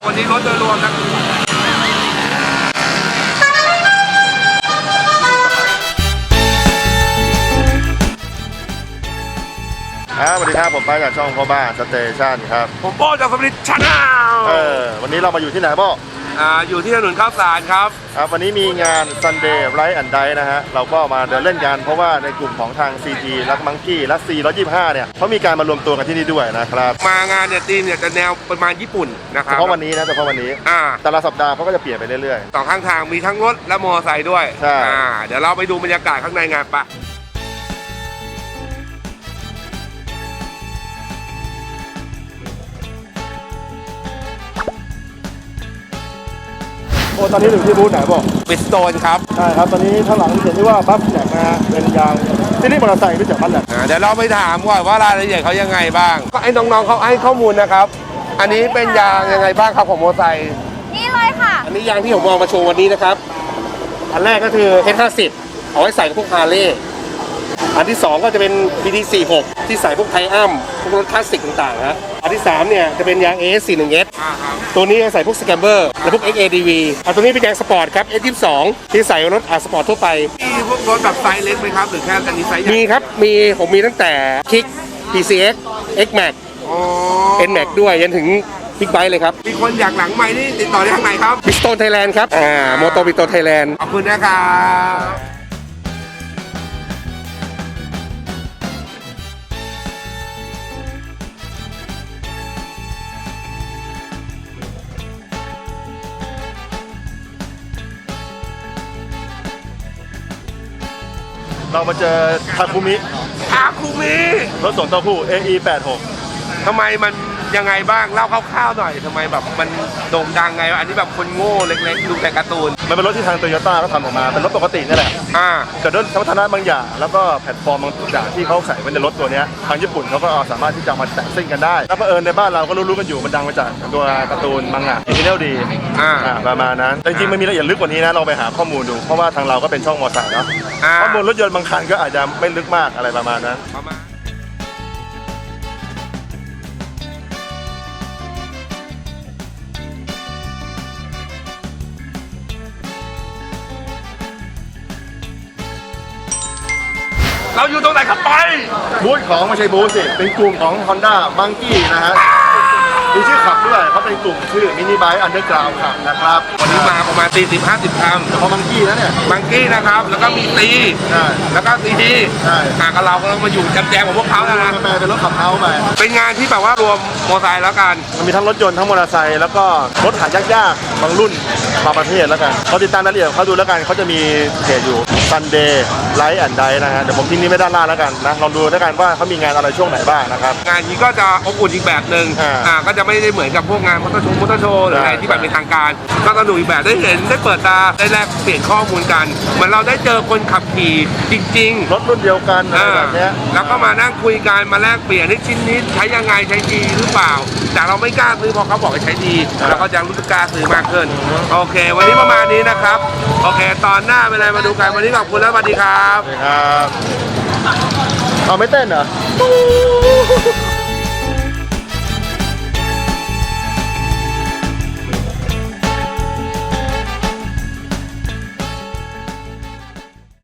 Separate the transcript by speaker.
Speaker 1: วันนี้รถโดยรวมนะ
Speaker 2: สวัสดีครับผมไปจากช่องพ่อบ้านสเตชันครับ
Speaker 1: ผมโป้จากสมิธชาแนล
Speaker 2: วันนี้เรามาอยู่ที่ไหนโป้
Speaker 1: อยู่ที่ถนนข้าวสารครับ
Speaker 2: วันนี้มีงาน Sunday Ride and Dive นะฮะเราก็มาเดินเล่นกันเพราะว่าในกลุ่มของทาง CG และมังกี้และ C125 เนี่ยเขามีการมารวมตัวกันที่นี่ด้วยนะครับ
Speaker 1: มางานเนี่ยทีมเนี่ยจะแนวประมาณญี่ปุ่นนะครับ
Speaker 2: เฉพาะวันนี้นะเฉพาะวันนี้แต่ละสัปดาห์เขาก็จะเปลี่ยนไปเรื่อย
Speaker 1: ๆสองข้างทางมีทั้งรถและมอเตอร์ไซค์ด้วย
Speaker 2: ใช่
Speaker 1: เดี๋ยวเราไปดูบรรยากาศข้างในงานปะ
Speaker 2: ตอนนี้อยู่ที่บูธไหนบอก
Speaker 1: บิสโตนครับ
Speaker 2: ใช่ครับตอนนี้ข้างหลังเขียนที่ว่าบัฟแลกนะฮะเป็นยางที่นี่มอเตอร์ไซค์ไม่จากบัฟแลก
Speaker 1: เดี๋ยวเราไปถามก่อนว่ารายละเอียดเขายังไงบ้างก็ไอ้น้องๆเขาให้ข้อมูลนะครับอันนี้เป็นยางยังไงบ้างครับของมอเตอร์ไซค์
Speaker 3: นี่เลยค่ะ
Speaker 1: อันนี้ยางที่ผมมองมาโชว์วันนี้นะครับอันแรกก็คือ H50 เอาไว้ใส่กับพวกฮาร์เลย์อันที่2ก็จะเป็น BT46 ที่ใส่พวกไทอัมพวกรถคลาสสิกต่างๆนะอันที่3เนี่ยจะเป็นยาง AS41S ตัวนี้ใส่พวกสแกมเบอร์และพวก XADV ตัวนี้เป็นยางสปอร์ตครับ S22 ที่ใส่รถสปอร์ตทั่วไปมีพวกรถแบบไซส์เล็กไหมครับหรือแค่อันนี้ไซส์ใหญ่มีครับผมมีตั้งแต่คิก PCX XMAX NMAX ด้วยยันถึงบิ๊กไบค์เลยครับมีคนอยากหลังใหม่นี่ติดต่อได้ทางไหนครับบิสโตนไทยแลนด์ครับโมโตบิสโตนไทยแลนด์ขอบคุณนะครับ
Speaker 2: เรามาเจอทาคุมิรถส่งเต้าหู้ AE86
Speaker 1: ทำไมมันยังไงบ้างเล่าคร่าวๆหน่อยทำไมแบบมันโด่งดังไงอันนี้แบบคนโง่เล็กๆดูแต่การ์ตูน
Speaker 2: มันเป็นรถที่ทางโตโยต้าเขาทำออกมาเป็นรถปกตินี่แหละแต่ด้วยสมรรถนะบางอย่างแล้วก็แพลตฟอร์มบางอย่างที่เขาใส่ไว้ในรถตัวนี้ทางญี่ปุ่นเขาก็สามารถที่จะมาแต่งซิ่งกันได้แล้วเผอิญในบ้านเราก็รู้ๆกันอยู่มันดังมาจากตัวการ์ตูนมังงะอินเทอร์ดีประมาณนั้นแต่จริงๆมันมีรายละเอียดลึกกว่านี้นะเราไปหาข้อมูลดูเพราะว่าทางเราก็เป็นช่องมอเตอร์ไซค์เนาะข้อมูลรถยนต์บางคันก็อาจจะไม่ลึกมากอะไรประมาณนั้น
Speaker 1: เราอยู่ตรงไหนครับไป
Speaker 2: บูธของไม่ใช่บูธสิเป็นกลุ่มของ Honda Monkey นะฮะมีชื่อขับด้วยเขาเป็นกลุ่มชื่อมินิไบค์อันเดอร์กราวด์ขับนะครับ
Speaker 1: วันนี้มาประมาณ40-50 คำ
Speaker 2: เฉพาะมังกี้นะเนี่ย
Speaker 1: มังกี้นะครับแล้วก็มีตีแล้วก็ซีทีกับเราก็ต้องมาอยู่จำแจงของพวกเขานะ
Speaker 2: เป็นรถขับเฮ้าไป
Speaker 1: เป็นงานที่แบบว่ารวมมอเตอร์ไซค์แล้วกัน
Speaker 2: มันมีทั้งรถยนต์ทั้งมอเตอร์ไซค์แล้วก็รถหายากๆบางรุ่นบางประเภทแล้วกันเขาติดตามรายละเอียดเขาดูแล้วกันเขาจะมีเพจอยู่ Sunday Ride and Dive นะฮะเดี๋ยวผมทิ้งนี้ไว้ด้านล่างแล้วกันนะลองดูแล้วกันว่าเขามีงานอะไรช่วงไหนบ้างนะครับ
Speaker 1: งานนี้ก็จะอบอุ่นอีกแบบนึงก็จะไม่ได้เหมือนกับพวกงานมอเตอร์โชว์หรืออะไรที่แบบเป็นทางการก็สนุกอีกแบบได้เห็นได้เปิดตาได้แลกเปลี่ยนข้อมูลกันเหมือนเราได้เจอคนขับขี่จริง
Speaker 2: ๆรถรุ่นเดียวกันอะไรแบบนี้
Speaker 1: แล้วก็มานั่งคุยกันมาแลกเปลี่ยนในชิ้นนี้ใช้ยังไงใช้ดีหรือเปล่าแต่เราไม่กล้าซื้อพอเขาบอกว่าใช้ดีเราก็จะรู้สึกกล้าซื้อมากขึ้นโอเควันนี้ประมาณนี้นะครับโอเคตอนหน้าเป็นอะไรมาดูกันวันนี้ขอบคุณแล้วสวัสดีครับ
Speaker 2: เอาไม่เต้นเหรอ